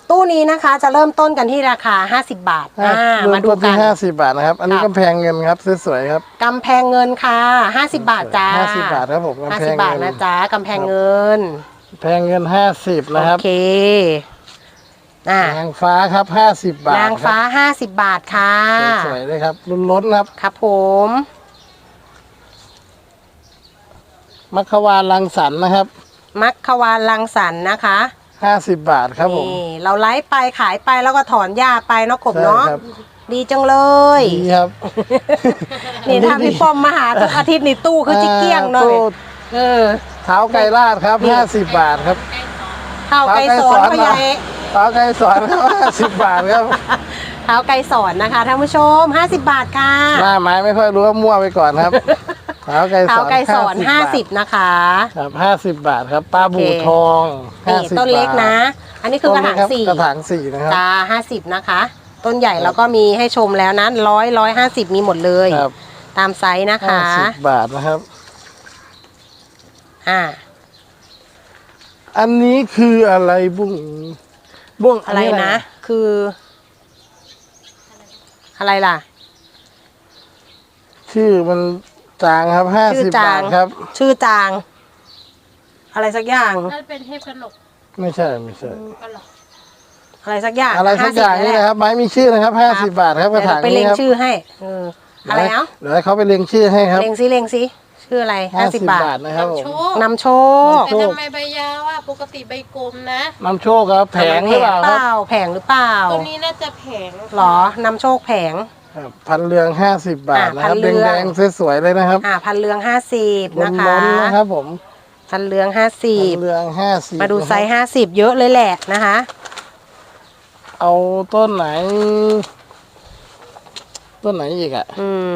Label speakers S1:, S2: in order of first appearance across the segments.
S1: ตู้นี้นะคะจะเริ่มต้นกันที่ราคา50 บาท
S2: มาดูกัน50 บาทนะครับอันนี้กำแพงเงินครับสวยๆครับ
S1: กำแพงเงินค่ะ50 บาทจ้า
S2: 50 บาทครับผมกำแพง
S1: 50 บาทนะจ๊ะกำแพงเงิน
S2: แพงเงิน50นะครับ
S1: โอเคน
S2: างฟ้าครับ50 บาท
S1: นางฟ้า50 บาทค่ะ
S2: สวยๆเลยครับล้นๆครับ
S1: ครับผม
S2: มัคควานรังสรรค์นะครับ
S1: มัคควานรังสรรค์นะคะ
S2: 50 บาทครับผม
S1: นี่เราไลฟ์ไปขายไปแล้วก็ถอนหญ้าไปเนาะกบเนาะดีจังเลย
S2: ดีครับ
S1: นี่ถ้าพี่ป้อมมาหาทุกอาทิตย์นี่ตู้คือจิเกี้ยงเนาะ
S2: เท้าไก่ลาดครับ50 บาทครับ
S1: เท้าไก่สอนก็ใหญ่
S2: เท้าไก่สอนครับ50 บาทครับ
S1: เท้าไก่สอนนะคะท่านผู้ชม50 บาทค่ะ
S2: หน้าไม้ไม่ค่อยรู้ว่ามั่วไปก่อนครับเท้าไก่สอน
S1: 50นะคะ
S2: ครับ50 บาทครับปลาบูทอง
S1: ต้นเล็กนะอันนี้คือกระถาง4
S2: กระถาง4นะครับ
S1: จ้า50นะคะต้นใหญ่แล้วก็มีให้ชมแล้วนะ150มีหมดเลยตามไซส์นะคะ
S2: 50 บาทนะครับอันนี้คืออะไรบุ้ง
S1: อะไรนะคืออะไรล่ะ
S2: ชื่อมันจางครับ50 บาทครับ
S1: ชื่อจางอะไรสักอย่าง
S3: นั่นเป็นเทพกนก
S2: ไม่ใช่
S1: อะไรสักอย่าง
S2: นี่นะครับไม้มีชื่อนะครับ50 บาทครับกระถางนี้ครับ
S1: ไปเล็งชื่อให้อะไรเนาะ
S2: เดี๋ยวให้เขาไปเล็งชื่อให้ครับ
S1: เล็งซิชื่ออะไร50 บาท
S2: นะครับ
S1: นำโชค
S3: แต่ทำไมใบยาวอ่ะปกติใบกลมนะ
S2: นำโชคครับแผงหรือเปล่า
S1: แผงหรือเปล่า
S3: ตัวนี้น่าจะแผง
S1: หรอนำโชคแผง
S2: พันเรือง50 บาทนะครับแดงๆสวยๆเลยนะครับ
S1: พันเรือง50นะคะ
S2: นะครับผม
S1: พันเรือง
S2: 50
S1: มาดูไซส์50เยอะเลยแหละนะคะ
S2: เอาต้นไหนอีกอ่ะ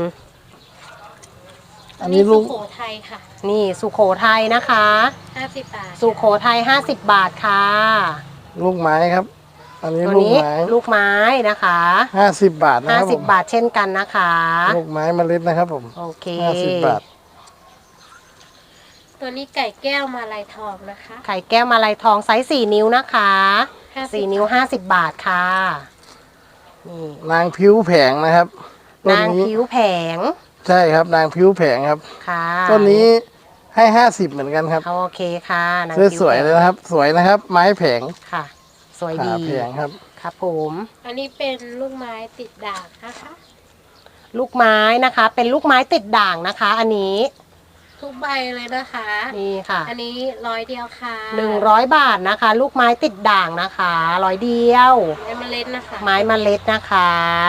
S3: อันนี้สุโขทัยค่ะ
S1: นี่สุโขทัยนะคะ
S3: 50 บาท
S1: สุโขทัย50 บาทค่ะ
S2: ลูกไม้ครับอันนี้
S1: ลูกไม้นะคะ
S2: 50 บาทนะครับ
S1: 50 บาทเช่นกันนะคะ
S2: ลูกไม้เมล็ดนะครับผม
S1: โอเค
S2: 50 บาท
S3: ตัวนี้ไก่แก้วมาลายทองนะคะ
S1: ไก่แก้วมาลายทองไซส์4 นิ้วนะคะ4 นิ้ว50 บาทค่ะ
S2: นี่นางผิวแผงนะครับ
S1: นางผิวแผง
S2: ใช่ครับนางผิวแผงครับ
S1: ค่ะ
S2: ต้นนี้ให้50เหมือนกันครับ
S1: โอเคค่ะ
S2: นางผิวสวยเลยนะครับสวยนะครับไม้แผง
S1: ค่ะสวยดี
S2: แผงครับ
S1: ครับผม
S3: อันนี้เป็นลูกไม้ติดด่างนะคะ
S1: ลูกไม้นะคะเป็นลูกไม้ติดด่างนะคะอันนี้
S3: ทุกใบเลยนะคะ
S1: นี่ค่ะ
S3: อันนี้100เดียวค่ะ
S1: 100 บาทนะคะลูกไม้ติดด่างนะคะ100 เดียว
S3: ไม้เมล็ดนะคะ
S1: ไม้เมล็ดนะคะ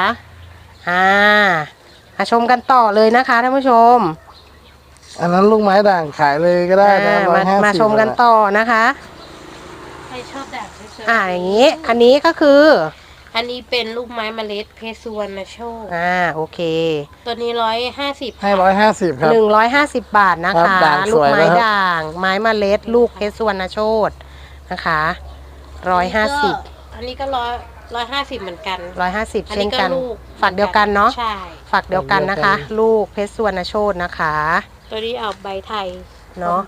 S1: มาชมกันต่อเลยนะคะท่านผู้ชม
S2: อันนั้นลูกไม้ด่างขายเลยก็ได้นะ
S1: มาชมกันต่อนะคะ
S3: ใครชอบด่าง
S1: อย่างนี้อันนี้ก็คือ
S3: อันนี้เป็นลูกไม้เมล็ดเพชรสุวรรณโชค
S1: โอเค
S3: ตัวนี้150
S2: ให้150ครับ
S1: 150 บาทนะคะลูกไม้ด่างไม้เมล็ดลูกเพชรสุวรรณโชคนะคะ150
S3: อันนี้ก็150เหมือนกัน
S1: 150เช่นกันฝักเดียวกันเนาะ
S3: ใช่
S1: ฝักเดียวกันนะคะลูกเพชรสุวรรณโชคนะคะ
S3: ตัวนี้เอาใบไทย
S1: เนาะ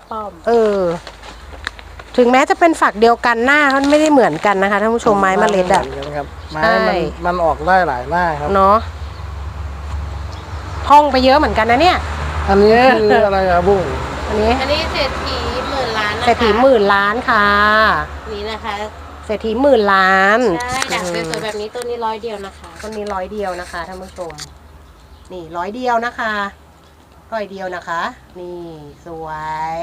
S1: ถึงแม้จะเป็นฝักเดียวกันหน้ามันไม่ได้เหมือนกันนะคะท่านผู้ชมไม้เมล็ด
S2: ไม้มันออกได้หลายหน้าครับ
S1: เนาะท่องไปเยอะเหมือนกันนะเนี่ย
S2: อันนี้คืออะไรอะบุ้ง
S3: อันนี้เศรษฐี10,000 ล้านนะคะ
S1: เศรษฐี10,000 ล้านค่ะ
S3: นี่นะคะ
S1: เศรษฐี10,000 ล้าน
S3: ใช่ด่างสวยๆแบบนี้ตัวนี้100เดียวนะคะ
S1: ตัวนี้100เดียวนะคะท่านผู้ชมนี่100เดียวนะคะ100เดียวนะคะนี่สวย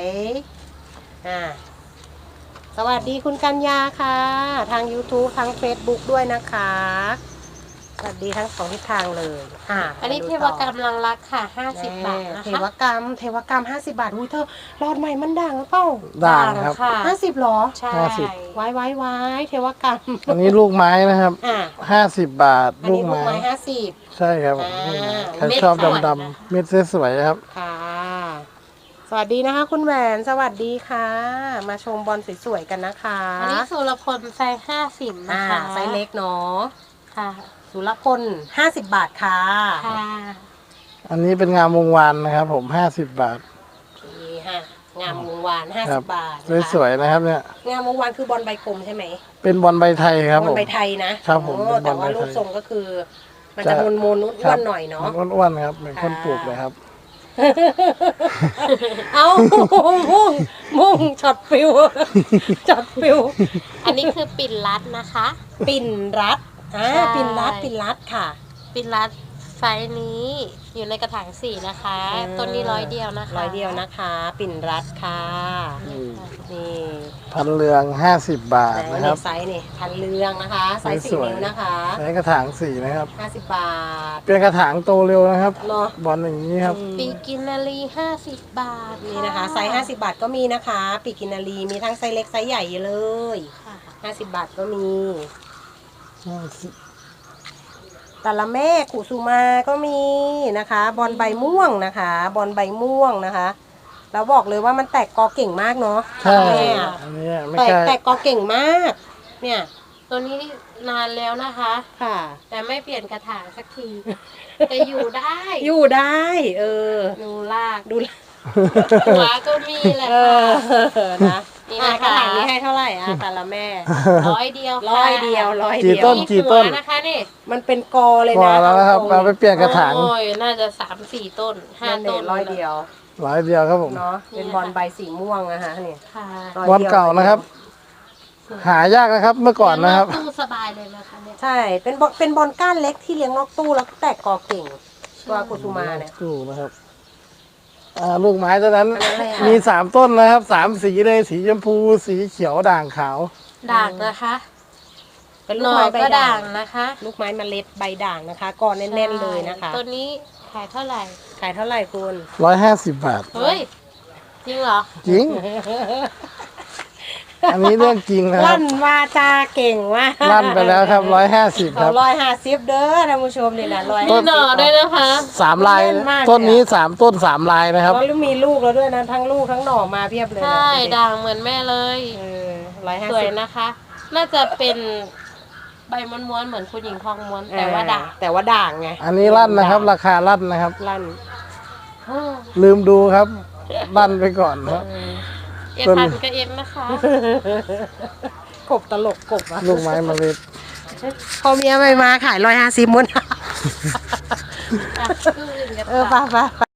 S1: สวัสดีคุณกัญญาค่ะทาง YouTube ทาง Facebook ด้วยนะคะสวัสดีทั้ง2ทิศทางเลย
S3: อันนี้เทวกรรมลังรักค่ะ50 บาทนะคะ
S1: เทวกรรม50 บาทอุ้ยเธอรอดใหม่มันด่างหรือเปล่า
S2: ด่างครับ
S1: 50หรอ
S3: ใช่
S1: ไว้เทวกรรม
S2: อันนี้ลูกไม้นะครับ50 บาท
S1: ลูกไม้50
S2: ใช่ครับใครชอบดำๆเม็ดสวยๆครับ
S1: ค่ะสวัสดีนะคะคุณแหวนสวัสดีค่ะมาชมบอลสวยๆกันนะคะ
S3: อันนี้สุรพลไซส์50นะคะ
S1: ไซส์เล็กเนาะ
S3: ค่ะ
S1: สุรพล50 บาทค่ะ
S3: ค่ะ
S2: อันนี้เป็นงามวงวานนะครับผม50 บาท
S1: นี่ค่ะงามวงวาน
S2: ครับ
S1: 50 บาทนะคะ
S2: สวยๆนะครับเนี่ย
S1: งามวงวานคือบอลใบกลมใช่ไหม
S2: เป็นบอลใบไทยครับ
S1: บ
S2: ผ
S1: อล
S2: ม
S1: ใบไทยนะครับ
S2: ผม
S1: โอ้
S2: เป็นบอล
S1: แต่ว่า
S2: ใบไทย
S1: รูปทรงก็คือ มัน
S2: จะ
S1: จะมนๆอ้วนๆหน่อยเนาะ
S2: มันอ้วนๆครับเหมือนคนปลูกเลยครับ
S1: เอามุ่งช็อตฟิวช็อตฟิว
S3: อันนี้คือปิ่นรัดนะคะ
S1: ปิ่นรัดอ่า
S3: ใช่
S1: ปิ่นรัดค่ะ
S3: ปิ่นรัดไซส์นี้อยู่ในกระถางสี่นะคะ ต้นนี้100 เดียวนะคะ
S1: 100 เดียวนะคะ ปิ่นรัดค่ะ นี่
S2: พันเรือง50 บาท
S1: ไหน
S2: นะครับ
S1: ไซส์นี่พันเรืองนะคะไซส์
S2: ส
S1: 4
S2: วย
S1: นิ้วนะคะ
S2: ใช้กระถาง4นะครับ
S1: 50 บาท
S2: เป็นกระถางโตเร็วนะครับ
S1: เนาะ
S2: บอลอย่างนี้ครับ
S3: ปีกินนารี50 บาท
S1: นี่นะคะไซส์50 บาทก็มีนะคะปีกินารีมีทั้งไซส์เล็กไซส์ใหญ่เลย
S3: ค่ะ
S1: 50 บาทก็มีแต่ละแม่กุสุมาก็มีนะคะ บอลใบม่วงนะคะ บอลใบม่วงนะคะแล้วบอกเลยว่ามันแตกกอเก่งมากเนาะ
S2: ใช่
S1: แม่
S2: อันนี้ไม่
S1: แตก
S2: ใช่
S1: แตกกอเก่งมาก เนี่ย
S3: ตัวนี้นานแล้วนะคะ
S1: ค่ะ
S3: แต่ไม่เปลี่ยนกระถางสักที แต่อยู่ได้
S1: อยู่ได้
S3: ดูลาก
S1: ดู
S3: หัวก็มีแหละ
S1: เอ
S3: ค่ะ
S1: อนะ
S3: นี่
S1: อ่ะ
S3: นะคะ
S1: กระถางนี้ให้เท่าไหร่อ่ะแต่ละแม่
S3: 100 เดียวค่ะ
S1: ร้อยเดียวร้อย
S2: กี่
S1: เดียว
S2: ต้น
S3: นี่
S2: กี่ต้น
S3: หัวนะคะนี่
S1: มันเป็นกอเลย
S2: พอ
S1: นะ
S2: แล้วนะครับ
S1: ตงๆ
S2: เราไปเปลี่ยนกระถาง
S3: โอ้ยน่าจะ3-4 ต้น
S1: นั่น
S3: 5
S1: เด็
S3: ต้น
S1: ร้อยเดียว
S2: 100 เดียวครับผม
S1: เนาะเป็นบอลใบสีม่วงนะคะนี่
S3: ค่ะ
S1: ร้ย
S2: บอล
S1: ดียว
S2: เก่านะครับ หายากนะครับเมื่อก่อนนะครับ
S3: เลี้ยงตู้สบายเลยนะคะเนี่ย
S1: ใช่เป็นบอลก้านเล็กที่เลี้ยงนอกตู้แล้วแตกกอเก่งตัวกุสุมาเนี่ย
S2: ตู้นะครับลูกไม้ตัวนั้น
S1: อันนั้นอะไรอ่ะ
S2: มี3 ต้นนะครับ 3 สีเลยสีชมพูสีเขียวด่างขาว
S3: ด่างนะคะ
S1: เป็น
S3: ห
S1: ลูก
S3: น่อ
S1: ไม้ใบ
S3: ก็
S1: ด่า
S3: ด่าง งนะคะ
S1: ลูกไม้เมล็ดใบด่างนะคะกอแน่นๆเลยนะคะ
S3: ตัวนี้ขายเท่าไหร่
S1: ขายเท่าไหร่คุณ
S2: 150 บาท
S3: เฮ้ย จริงเหรอ
S2: จริง อันนี้เรื่องจริงนะครับ
S1: ลั่นวาจาเก่งมาก
S2: ลั่นไปแล้วครับ150ค
S1: เขา
S2: รับ
S1: 150เด้อท่านผู้ชมนี่นะ150
S3: มีหน่อด้วยนะคะ
S2: 3 ลาย
S1: เล่นมากเลยอะ
S2: ต้นนี้3 ต้น 3 ลายนะครับ
S1: แล้วมีลูกแล้วด้วยนะทั้งลูกทั้งหน่อมาเพียบเลยนะ
S3: ใช่ ด่างเหมือนแม่เลย
S1: เออ
S3: สวย
S1: 150
S3: นะคะ น่าจะเป็นใบม้วนๆเหมือนคุณหญิงทองม้วน แต่ว่าด่าง
S1: แต่ว่าด่างไง
S2: อันนี้ลั่นนะครับ ราคาลั่นนะครับ
S1: ลั่น
S2: ลืมดูครับ ลั่นไปก่อนครับ
S3: เอ็ดพันก็เอ็ดนะคะ
S1: กบตลกกบอะ
S2: ลูกไม้เมล็ด
S1: พอเมียไม่มาขาย150มุน
S3: อ่ะคืออื่นกัน
S1: เออ
S3: ค่ะ
S1: ไป